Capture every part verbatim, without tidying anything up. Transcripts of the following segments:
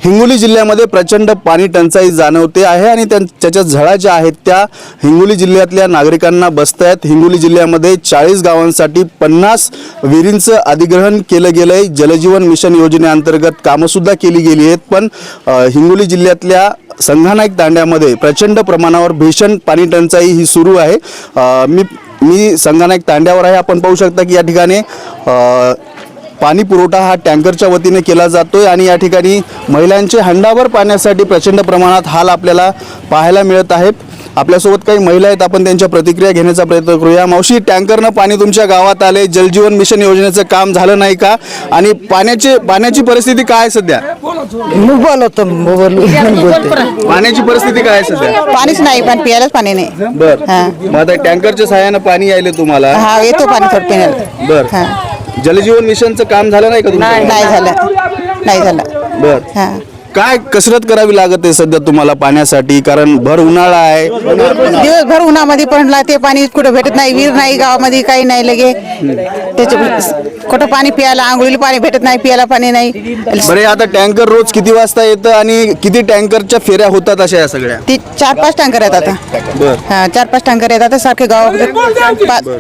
हिंगोली जिल्ह्यामध्ये प्रचंड पाणी टंचाई जाणवते आहे आणि त्याच्या झळा ज्या आहेत त्या हिंगोली जिल्ह्यातल्या नागरिकांना बसत आहेत। हिंगोली जिल्ह्यामध्ये चाळीस गावांसाठी पन्नास विहिरींचं अधिग्रहण केलं गेलं आहे। जलजीवन मिशन योजनेअंतर्गत कामंसुद्धा केली गेली आहेत, पण हिंगोली जिल्ह्यातल्या संघानाईक तांड्यामध्ये प्रचंड प्रमाणावर भीषण पाणी टंचाई ही सुरू आहे। मी मी संघानाईक तांड्यावर आहे। आपण पाहू शकता की या ठिकाणी पाणी पुरवठा हा टँकरच्या वतीने केला जातोय आणि या ठिकाणी महिलांचे हंडाभर पाण्यासाठी प्रचंड प्रमाणात हाल आपल्याला पाहायला मिळत आहेत। आपल्यासोबत काही महिला आहेत, आपण त्यांच्या प्रतिक्रिया घेण्याचा प्रयत्न करूया। मावशी, टँकरनं पाणी तुमच्या गावात आले, जलजीवन मिशन योजनेचं काम झालं नाही का आणि पाण्याची पाण्याची परिस्थिती काय आहे सध्या? पाण्याची परिस्थिती काय आहे सध्या? पाणीच नाही, पण प्यायलाच पाणी नाही। बर, मग आता टँकरच्या सहाय्याने पाणी यायले तुम्हाला? हा, येतो पाणी थोडं पिण्याला। बर, जलजीवन मिशनचं काम झालं नाही का तुमचं? नाही झालं, नाही झालं। बर, काय कसरत करावी लागत आहे सध्या तुम्हाला पाण्यासाठी? कारण भर उन्हाळा आहे, दिवसभर उन्हामध्ये पडला, ते पाणी कुठं भेटत नाही, विहीर नाही गावामध्ये, काही नाही लगे त्याच्या कुठं पाणी प्यायला, आंघोळीला पाणी भेटत नाही, प्यायला पाणी नाही। बरे, आता टँकर रोज किती वाजता येतं आणि किती टँकरच्या फेऱ्या होतात अशा या सगळ्या? ती चार पाच टँकर येतात आता। बर, हा, चार पाच टँकर येतात सारखे गावामध्ये।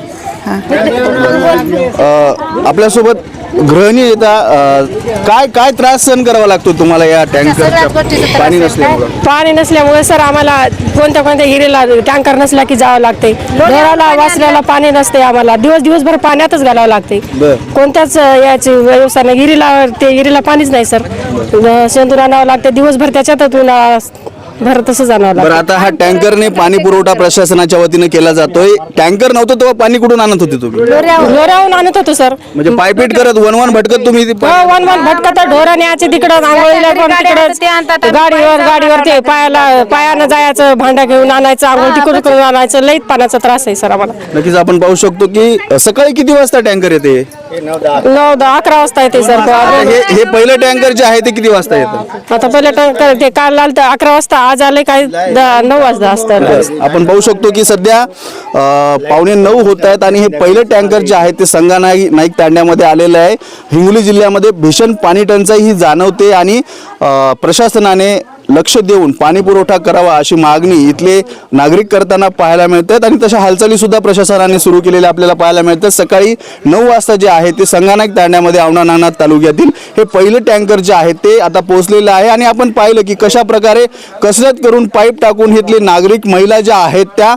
आपल्यासोबत गृहिणी येतात, काय काय त्रास सहन करावा लागतो तुम्हाला या टँकरच्या पाणी नसल्यामुळे? पाणी नसल्यामुळे सर आम्हाला कोणत्या कोणत्या हिरीला टँकर नसला की जावं लागते, ढोराला वासऱ्याला पाणी नसते, आम्हाला दिवस दिवसभर पाण्यातच घालावं लागते। कोणत्याच याची व्यवस्था नाही, हिरीला ते हिरीला पाणीच नाही सर, शेंदूर आणावं लागते दिवसभर, त्याच्यातून भर तसं जाणार। बरं, आता हा टँकरने पाणी पुरवठा प्रशासनाच्या वतीने केला जातोय। टँकर नव्हतं तेव्हा पाणी कुठून आणत होते तुम्ही? ढोरावून आणत होतो सर, म्हणजे पायपीट करत वन वन भटकत तुम्ही? वन वन भटकत ढोरा न्यायचे तिकडं, आंघोळीला पण तिकडं, गाडीवर गाडीवर ते पायाला पायानं जायचं, भांडा घेऊन आणायचं, आंघोळ तिकडून आणायचं, लईत पाण्याचा त्रास आहे सर आम्हाला। नक्कीच आपण पाहू शकतो की सकाळी किती वाजता टँकर येते? नऊ दहा अकरा वाजता येते सर। हे हे पहिलं टँकर जे आहे ते किती वाजता येतं? आता पहिलं टँकर ते काल आलं तर अकरा वाजता, आज आले काय नऊ वाजता असतं। आपण पाहू शकतो की सध्या पावणे नऊ होत आहेत आणि हे पहिलं टँकर जे आहे ते संघानाईक नाईक तांड्यामध्ये आलेलं आहे। हिंगोली जिल्ह्यामध्ये भीषण पाणी टंचाई ही जाणवते आणि प्रशासनाने लक्ष देऊन पाणी पुरवठा करावा अशी मागणी इथले नागरिक करताना पाहायला मिळतात आणि तशा हालचाली सुद्धा प्रशासनाने सुरू केलेल्या आपल्याला पाहायला मिळतात। सकाळी नऊ वाजता जे आहे ते संघानाईक तांड्यामध्ये औंढा नागनाथ तालुक्यातील हे पहिलं टँकर जे आहे ते आता पोहोचलेलं आहे आणि आपण पाहिलं की कशा प्रकारे कसरत करून पाईप टाकून इथले नागरिक महिला ज्या आहेत त्या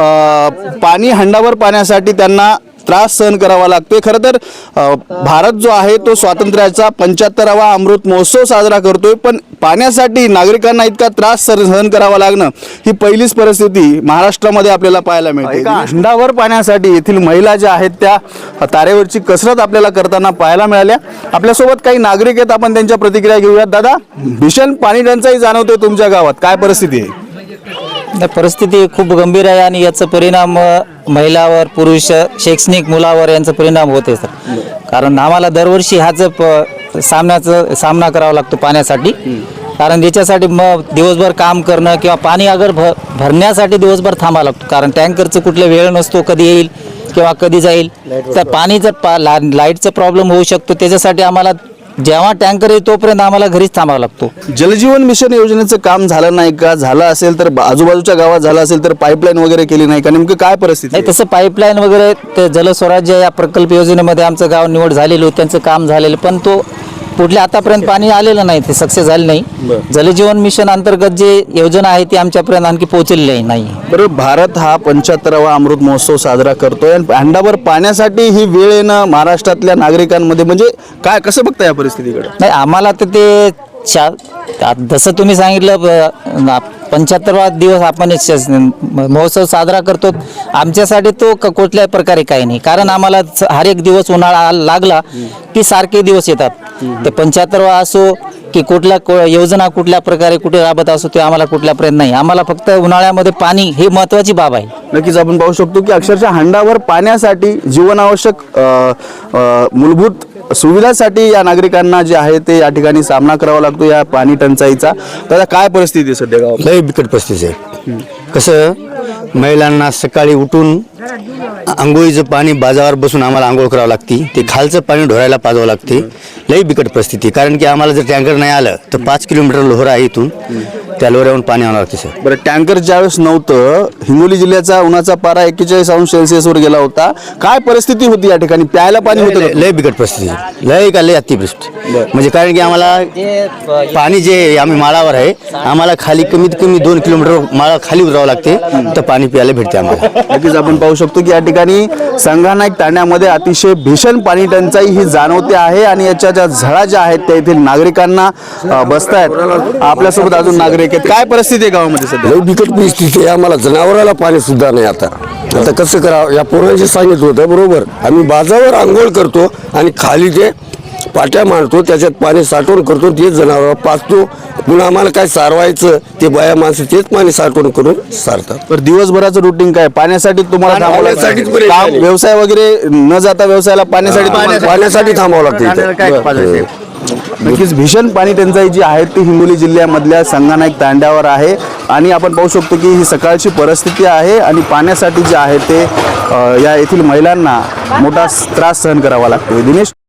पाणी हंडाभर पाण्यासाठी त्यांना त्रास सहन करावा लागतोय। खरं तर भारत जो आहे तो स्वातंत्र्याचा पंच्याहत्तरावा अमृत महोत्सव साजरा करतोय, पण पाण्यासाठी नागरिकांना इतका त्रास सहन करावा लागणं ही पहिलीच परिस्थिती महाराष्ट्रामध्ये आपल्याला पाहायला मिळते। हंडाभर पाण्यासाठी येथील महिला ज्या आहेत त्या तारेवरची कसरत आपल्याला करताना पाहायला मिळाल्या। आपल्यासोबत काही नागरिक आहेत, आपण त्यांच्या प्रतिक्रिया घेऊयात। दादा, भीषण पाणी टंचाई जाणवते तुमच्या गावात, काय परिस्थिती आहे? परिस्थिती खूप गंभीर आहे आणि याचा परिणाम महिलावर, पुरुष, शैक्षणिक मुलावर यांचा परिणाम होते सर। कारण आम्हाला दरवर्षी हाच सामन्याचा सामना करावा लागतो पाण्यासाठी, कारण याच्यासाठी मग दिवसभर काम करणं किंवा पाणी अगर भ भरण्यासाठी दिवसभर थांबावं लागतो, कारण टँकरचं कुठला वेळ नसतो, कधी येईल किंवा कधी जाईल, तर पाणी जर पा ला लाईटचा प्रॉब्लेम होऊ शकतो, त्याच्यासाठी आम्हाला जेव्हा टँकर येईल तोपर्यंत आम्हाला घरीच थांबावं लागतो। जलजीवन मिशन योजनेचं काम झालं नाही का? झालं असेल तर आजूबाजूच्या गावात झालं असेल तर पाईपलाईन वगैरे केली नाही का? नेमकं काय परिस्थिती? नाही, तसं पाईपलाईन वगैरे ते जलस्वराज्य या प्रकल्प योजनेमध्ये आमचं गाव निवड झालेलं होतं, त्यांचं काम झालेलं, पण तो कुठल्या आतापर्यंत पाणी आलेलं नाही, ते सक्सेस झाले नाही। जलजीवन मिशन अंतर्गत जे योजना आहे ती आमच्यापर्यंत आणखी पोहोचलेली नाही। बरं, भारत हा पंच्याहत्तरावा अमृत महोत्सव साजरा करतोय आणि हंडाभर पाण्यासाठी ही वेळ येणं महाराष्ट्रातल्या नागरिकांमध्ये, म्हणजे काय, कसं बघता या परिस्थितीकडे? नाही, आम्हाला तर ते जसं तुम्ही सांगितलं पंच्याहत्तरवा दिवस आपण महोत्सव साजरा करतो, आमच्यासाठी तो कुठल्याही प्रकारे काही नाही, कारण आम्हाला हर एक दिवस उन्हाळा लागला की सारखे दिवस येतात, ते पंच्याहत्तरवा असो की कुठल्या योजना कुठल्या प्रकारे कुठे राबत असो ते आम्हाला कुठल्यापर्यंत नाही, आम्हाला फक्त उन्हाळ्यामध्ये पाणी ही महत्त्वाची बाब आहे। नक्कीच आपण पाहू शकतो की अक्षरशः हंडाभर पाण्यासाठी जीवनावश्यक मूलभूत सुविधासाठी या नागरिकांना जे आहे ते या ठिकाणी सामना करावा लागतो या पाणी टंचाईचा। त्याला काय परिस्थिती आहे सध्या गावात? लई बिकट परिस्थिती आहे। कसं महिलांना सकाळी उठून आंघोळीचं पाणी बाजारावर बसून आम्हाला आंघोळ करावं लागते, ते खालचं पाणी ढोरायला पाजावं लागते. लई बिकट परिस्थिती, कारण की आम्हाला जर टँकर नाही आलं तर पाच किलोमीटर लोहरा आहे इथून, त्या लोहऱ्याहून पाणी आणावं लागते सर. बरं, टँकर ज्यावेळेस नव्हतं, हिंगोली जिल्ह्याचा उन्हाचा पारा एक्केचाळीस अंश सेल्सिअसवर गेला होता, काय परिस्थिती होती या ठिकाणी? प्यायला पाणी होतं लय का? लय बिकट परिस्थिती, लय का लय अतिवृष्टी. म्हणजे कारण की आम्हाला पाणी जे आम्ही माळावर आहे, आम्हाला खाली कमीत कमी दोन किलोमीटर माळा खाली उतरावं लागते तर पाणी प्यायला भेटते आम्हाला. नक्कीच आपण पाहू शकतो की या ठिकाणी संगनाईक तांड्यामध्ये अतिशय भीषण पाणी टंचाई ही जाणवते आहे आणि याच्या ज्या झळा ज्या आहेत त्या येथील नागरिकांना अ, बसतायत. आपल्यासोबत अजून नागरिक आहेत. काय परिस्थिती आहे गावामध्ये सध्या? लई बिकट परिस्थिती आहे. आम्हाला जनावराला पाणी सुद्धा नाही. आता आता कसं करावं, या पोरांशी सांगितलं होतं बरोबर. आम्ही बाजावर आंघोळ करतो आणि खाली जे पाट्या मांडतो त्याच्यात पाणी साठवण करतो, ते जनावर पाचतो. पुन्हा आम्हाला काय सारवायचं ते बाया माणसं तेच पाणी साठवण करून सारतात. तर दिवसभराचं रुटीन काय? पाण्यासाठी तुम्हाला थांबावं लागतं? पाण्यासाठीच बरेच काम, झाले. व्यवसाय वगैरे न जाता व्यवसायाला पाण्यासाठी तुम्हाला- पाण्यासाठी थांबावं लागतं इथं. नक्कीच भीषण पाणी टंचाई जी आहे ती हिंगोली जिल्ह्यामधल्या संगनाईक तांड्यावर आहे आणि आपण पाहू शकतो की ही सकाळची परिस्थिती आहे आणि पाण्यासाठी जे आहे ते अ, या येथील महिलांना मोठा त्रास सहन करावा लागतो. दिनेश.